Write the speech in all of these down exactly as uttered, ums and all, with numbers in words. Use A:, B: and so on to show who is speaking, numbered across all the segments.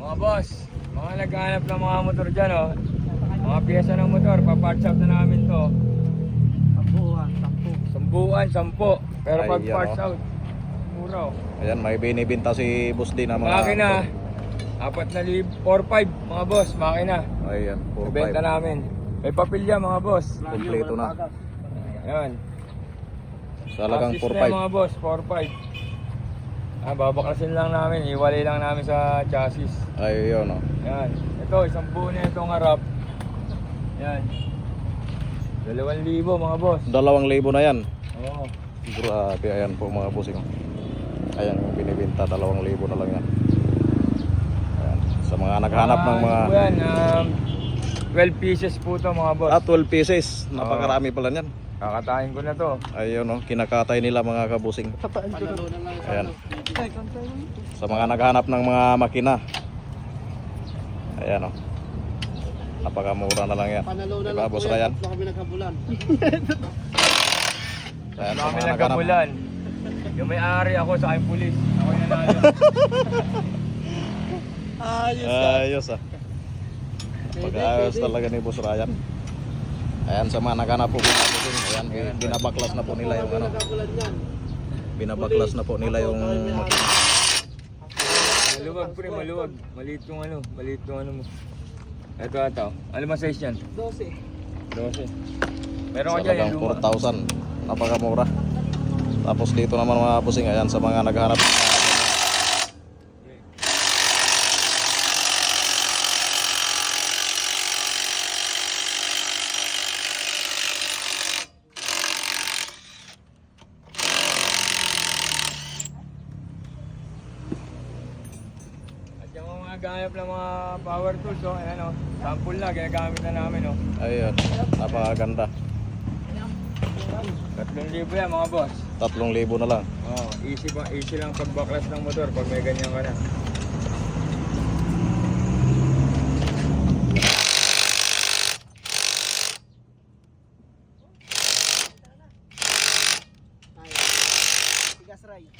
A: Mga boss, mga naghahanap ng mga motor dyan, oh. Mga piyesa ng motor, pa-parts out na namin to.
B: Sampuan, sampu.
A: Sambuan, sampo. Pero
C: Ay,
A: pag
C: yan,
A: parts
C: oh.
A: out, mura, oh.
C: Ayan, may binibinta si Boss D na mga
A: Makina, apat na libo, four five mga boss, makina.
C: Ayan, four
A: Ibenta
C: five.
A: namin. May papilya mga boss.
C: Kompleto na.
A: Ayan.
C: Talagang
A: Assist
C: four
A: na
C: five.
A: mga boss, four five. Ah, babaklasin lang namin, iwalay lang namin sa chassis.
C: Ayun, oh.
A: Ayan. Ito, isang buo na itong harap. Ayan. Dalawang libo mga boss.
C: Dalawang libo na yan.
A: Oo.
C: Grabe, ayan po mga bossing. Ayan yung binibinta, dalawang libo na lang yan. Ayan. Sa mga naghanap ng mga...
A: Ah, ano po yan, um, twelve pieces po to mga boss.
C: Ah, twelve pieces. Napakarami pala yan.
A: Kakatayin ko na to.
C: Ayun, oh. Kinakatay nila mga kabusing. Ayan. Sa mga naghanap ng mga makina. Ayan, oh. Napakamura na lang yan.
B: Panalo na
C: Diba,
B: lang
C: Boss
B: po yan.
C: Ryan?
B: Tatlo kami nagkabulan.
C: Ayan, sa
A: Kami
C: mga naghanap.
A: nagkabulan. Yung may-ari ako sa aking pulis. Ako yung nanalo.
B: Ayos
C: Ayos ah. Pag-ayos talaga ni Boss Ryan. Ayan, sa mga naghanap po mga bossing. Ayan, binabaklas na po nila yung ano.
B: nagkabulan yan.
C: Binabaklas na po nila yung makina.
A: Maluwag pre, maluwag. Maliit yung ano, maliit yung ano mo. Ito ata. Ano ba size yan?
B: Dose.
A: twelve. Meron ka dyan
C: Talagang
A: yung
C: four
A: luma.
C: thousand. Napakamura. Tapos dito naman mga bossing. Ayan, sa mga naghanap.
A: At yung mga ganap ng mga power tools, oh, ayan oh. Sample na, ginagamit na namin oh.
C: Ayun, napakaganda.
A: Tatlong libo yan mga boss.
C: Tatlong libo na lang.
A: Oh, easy pa, easy lang pagbaklas ng motor pag may ganyan ka na.
B: Tigas ray.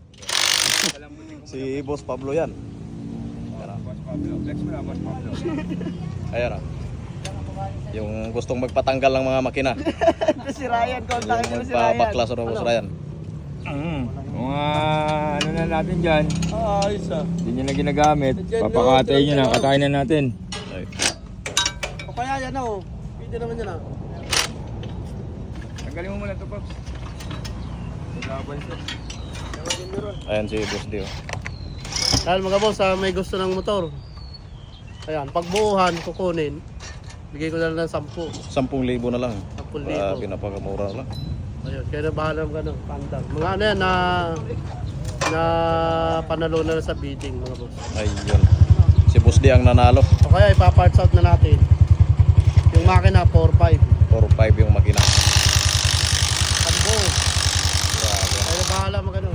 C: Si Boss Pablo yan. Ayan, ah.
A: Boss Pablo, flex mo na Boss Pablo.
C: Ayan ah. Yung gustong magpatanggal ng mga makina.
B: Ito si Ryan, kontakin
C: Yung
B: mo si Ryan.
C: magpabaklas ng Boss Ryan.
A: Mm. Mga ano na natin dyan,
B: Ah, ayos ah.
A: hindi nyo na ginagamit,
B: Dyan,
A: papakatayin nyo
B: dyan,
A: na,
B: dyan.
A: katayin na natin.
C: Ay.
B: O kaya yan oh. Pwede naman yan ah.
A: Tanggalin mo muna ito, Pops. Laban siya.
C: Ayan si Boss Dio.
B: Dahil mga boss, ah, may gusto ng motor. Ayan, pagbuuhan, kukunin. Bigay ko na lang ng sampu.
C: Sampung libo na lang.
B: Sampung
C: Ah,
B: libo.
C: pinapakamura na lang.
B: Ayun, kaya na bahala ng gano'n, pandang. Mga ano yan na na panalo na sa bidding mga boss.
C: Ayun. Si Boss Dio ang nanalo.
B: O kaya ipa-parts out na natin. Yung makina four five.
C: four five yung makina.
B: Sambo.
C: Grabe.
B: Kaya na bahala mga gano'n.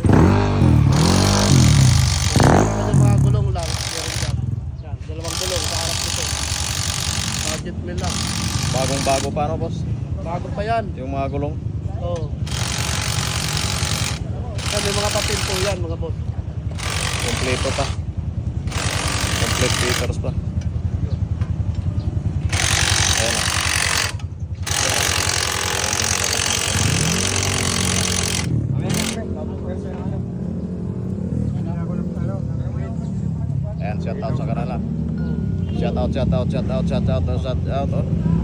B: Yung mga gulong lang. Meron dyan. Yan, dalawang gulong sa harap nito. Budget mill lang.
C: Bagong bago pa no, boss?
B: Bago pa yan.
C: Yung mga gulong.
B: Oo. Yan, may mga papel po yan mga boss.
C: Kompleto pa. Complete papers pa. Ayan ah. Ayan, shout out sa kanila. Shout out, shout out, shout out, shout out, shout out, oh.